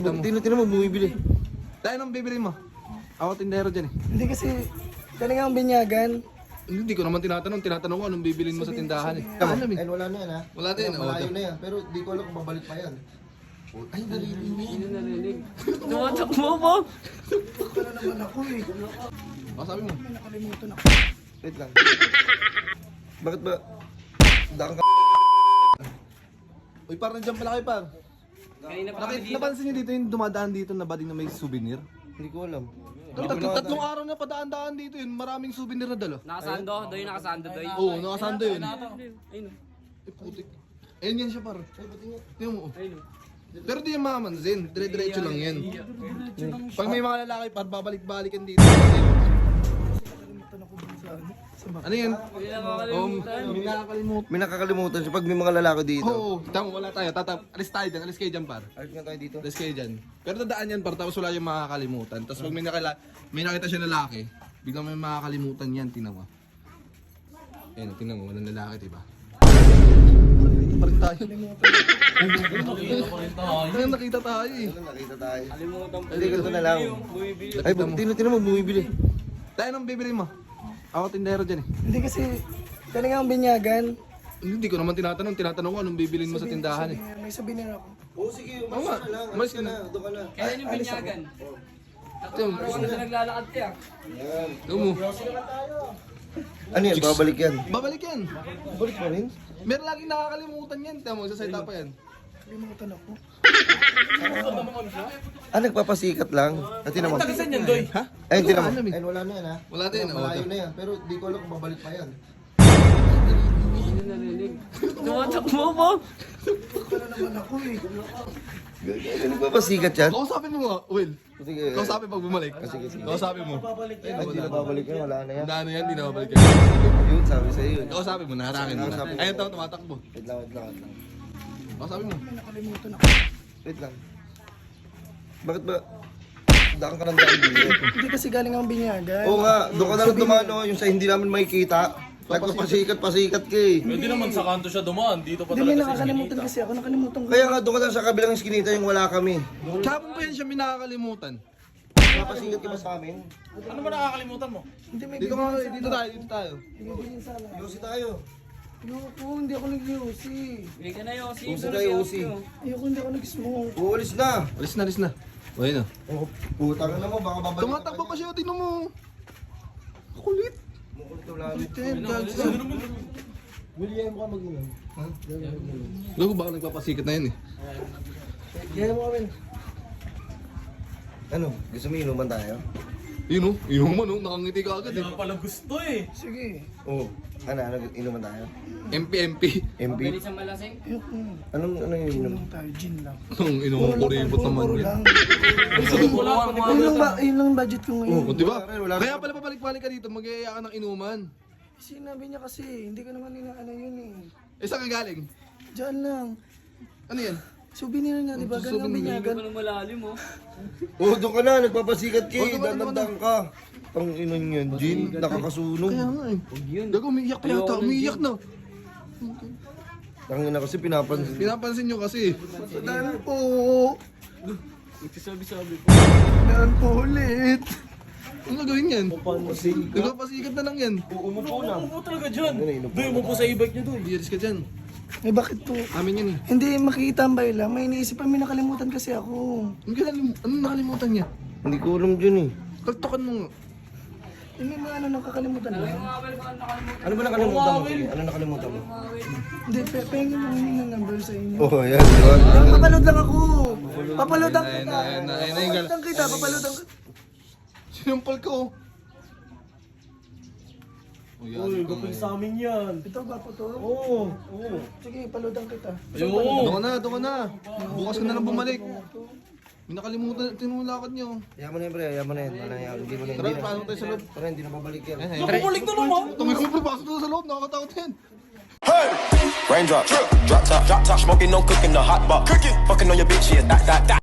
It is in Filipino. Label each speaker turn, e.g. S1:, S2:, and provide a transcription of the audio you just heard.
S1: Tino mo, bumibili.
S2: Tayo nang bibili mo. Ako tindero dyan eh.
S3: Hindi kasi, galing ang binyagan.
S2: Hindi ko naman tinatanong ko anong bibilin mo sa tindahan eh.
S1: Tama.
S2: Alam eh.
S1: Ay, wala na yan ha.
S2: Wala na yan,
S1: Malayo
S2: oh.
S1: na yan. Pero di ko alam kung babalik pa yan. Ay, narinig.
S4: Tumatakbo mo!
S3: Wala naman ako eh.
S2: O sabi mo.
S3: May nakalimutan ako.
S1: Wait lang. Bakit ba? Daan ka.
S2: Uy, parang nandiyan pala kayo par.
S4: Kanina pa kami dito.
S2: Napansin niyo dito yung dumadaan dito na bading na may souvenir?
S1: Hindi ko alam.
S2: Tatlong araw na padaan-daan dito yun. Maraming souvenir na dalo.
S4: Nakasando, doy nakasando, doy.
S2: Oo, nakasando yun.
S4: Ayun.
S2: Eh, putik. Ayun yan siya par. Tingnan mo. oh.
S4: Ayun.
S2: Pero di yung mamansin. Dire-diretso lang yan. Pag may mga lalaki par, babalik-balikan dito. Ano yan?
S4: Hindi na makakalimutan.
S2: May nakakalimutan.
S1: May nakakalimutan siya pag may mga lalaki dito.
S2: Oo, tama, wala tayo. Alis tayo dyan. Alis kayo dyan par.
S1: Alis nga tayo dito.
S2: Alis kayo dyan. Pero dadaan yan par, tapos wala yung makakalimutan. Tapos pag may nakita siya lalaki, biglang may makakalimutan yan, tinawa. Ayun, tingnan mo, walang lalaki, diba? Dito pa rin tayo. Ayun, nakita tayo eh.
S1: Nakita tayo.
S4: Kalimutan po.
S1: Hindi, ganito na lang.
S4: Bumibili.
S1: Ay, tino mo, bumibili.
S2: Tayo nang bibili mo. Ako tindero dyan eh.
S3: Hindi kasi, galing ang binyagan.
S2: Hindi ko naman tinatanong ko anong bibilin mo sa tindahan eh.
S3: May souvenir ako.
S1: Oo, sige.
S2: Oo nga, umalis ka na.
S1: Doon ka na.
S4: Kaya yung binyagan.
S2: Ito,
S4: Ako na naglalakad kaya.
S1: Yan.
S2: ito mo.
S1: Ano yan? Babalik yan.
S2: Babalik yan.
S1: Babalik pa rin?
S2: Meron laging nakakalimutan yan. Tama mo, sa side pa yan.
S3: Nakalimutan ako.
S1: Nagpapasikat lang. At tinan mo.
S4: Tagisan yan, doy.
S2: Ha?
S1: Ay, tinan mo.
S2: Alam eh.
S1: Ay, wala na yan ha.
S2: Wala din.
S1: Malayo na yan. Pero di ko alam kung babalik pa yan.
S4: Hindi narinig. Tumatakbo mo!
S3: Wala naman ako eh.
S1: Nagpapasikat yan?
S2: Kausapin mo nga, Will.
S1: Sige.
S2: Kausapin pag bumalik.
S1: Sige, sige.
S2: Kausapin mo.
S1: Ay, di na babalik yan. Wala na yan.
S2: Ano yan, di na babalik yan.
S1: Yun, sabi sa'yo yun.
S2: Kausapin mo, naharangin mo na.
S1: Kausapin mo.
S2: Ayun tao, tumatakbo.
S1: Wait lang, wait lang, wait lang.
S2: Kausapin mo.
S3: May nakalimutan ako.
S1: Wait lang. Bakit ba? Daan ka ng daan dito.
S3: Hindi kasi galing ang binyagan.
S1: Oo nga, doon ka na lang dumano, yung sa hindi namin makikita. Nagpapasikat-pasikat ka eh.
S5: Pwede naman sa kanto siya dumaan, dito pa
S3: Hindi, may
S5: talaga sa
S3: nakakalimutan kasi ako. Nakalimutan ko.
S1: Kaya nga doon ka lang sa kabilang iskinita yung wala kami.
S2: Kapon pa yan siya, may nakakalimutan.
S1: Napasikat ka ba sa amin?
S5: Ano ba nakakalimutan mo?
S3: Hindi, may
S2: Dito ka, dito tayo.
S3: bibilin sana.
S1: Yosi tayo.
S3: Ayoko, hindi ako nag-yosi.
S4: Bili ka na Yossi.
S1: Usi tayo, usi.
S3: Ayoko, hindi ako nag-smoke.
S1: Uulis na.
S2: Alis na. O, yun o.
S1: Oh, putang na mo, baka babalik.
S2: Tumatakbo pa siya, tingnan mo. Kulit. Kulit yan, gagsa.
S1: William ka mag-inom.
S2: Gago, baka nagpapasikat na yan eh.
S1: Yan mo kami. Ano? Gusto mo inuman tayo?
S2: Yun o, inuman o, nakangiti ka agad eh.
S5: Hindi pala gusto eh.
S3: Sige.
S1: Oo. Ano, inuman tayo?
S2: MP.
S1: MP?
S4: Bilis ang malasing.
S3: Ayoko.
S1: Ano yung inom?
S3: Inom tayo, gin lang.
S2: Anong inuman ko rin naman
S3: Puro
S2: yan.
S3: lang.
S4: Wala
S3: Yun lang budget ko ngayon.
S2: O, diba?
S1: Wala rin.
S2: Kaya pala pabalik-balik ka dito, mag-iaya ka ng inuman.
S3: Sinabi niya kasi, hindi ko naman ano yun eh.
S2: Eh, saan ka galing?
S3: Diyan lang.
S2: Ano yan?
S3: Souvenir nga, di ba? Galing ang
S4: Hindi
S3: binyagan.
S4: pa nang malalim oh.
S1: Oo, doon ka na. Nagpapasikat ka eh.
S2: doon ka na,
S1: Dandan ka. Ang inon yun. Gin, nakakasunog.
S2: Kaya nga eh. Gago, umiiyak pa yata, umiiyak na.
S1: Tangin na kasi pinapansin.
S2: Pinapansin nyo kasi.
S3: Daan po.
S4: Nagsasabi-sabi po.
S3: Daan po ulit.
S2: Ano gagawin yan? Nagpapasikat na lang yan.
S1: Umupo na.
S5: Umupo talaga dyan.
S1: Ano, inupo
S5: Doy, umupo sa e-bike niya doy.
S2: Iyaris ka dyan.
S3: Eh bakit po?
S2: Amin yan eh.
S3: Hindi, makikitambay lang. May iniisip pa, may nakalimutan kasi ako.
S2: Anong nakalimutan niya?
S1: Hindi ko alam dyan eh.
S2: Kaltokan mo nga.
S3: Eh, may mga nakakalimutan lang.
S1: Ano ba nakalimutan mo? Sige, ano nakalimutan mo?
S3: Hindi, pengin mo yung number sa inyo.
S1: Oh, yan. Diba?
S3: Papaload lang ako. Papaloadan kita.
S2: Ayun na yung galang.
S3: Papaloadan kita, papaloadan kita.
S2: Sinampal ko.
S5: Uy, gapin sa amin yan.
S3: Ito ba po to?
S5: Oo.
S3: Sige, paloadan kita.
S5: Ayun.
S2: Doon ka na. Bukas ka na lang bumalik. May nakalimutan, tinulakad niyo.
S1: Yaman na yan, pre. Yaman na yan. Hindi mo na.
S2: Tara, pasok tayo sa loob.
S1: Tara, hindi na babalik yan.
S5: Nakabalik na naman.
S2: Tumigil mo, pasok doon sa loob, nakakatakot yan.
S6: Raindrop, drop top, smoking, no cooking, the hot box. Fucking on your bitch, yeah, that.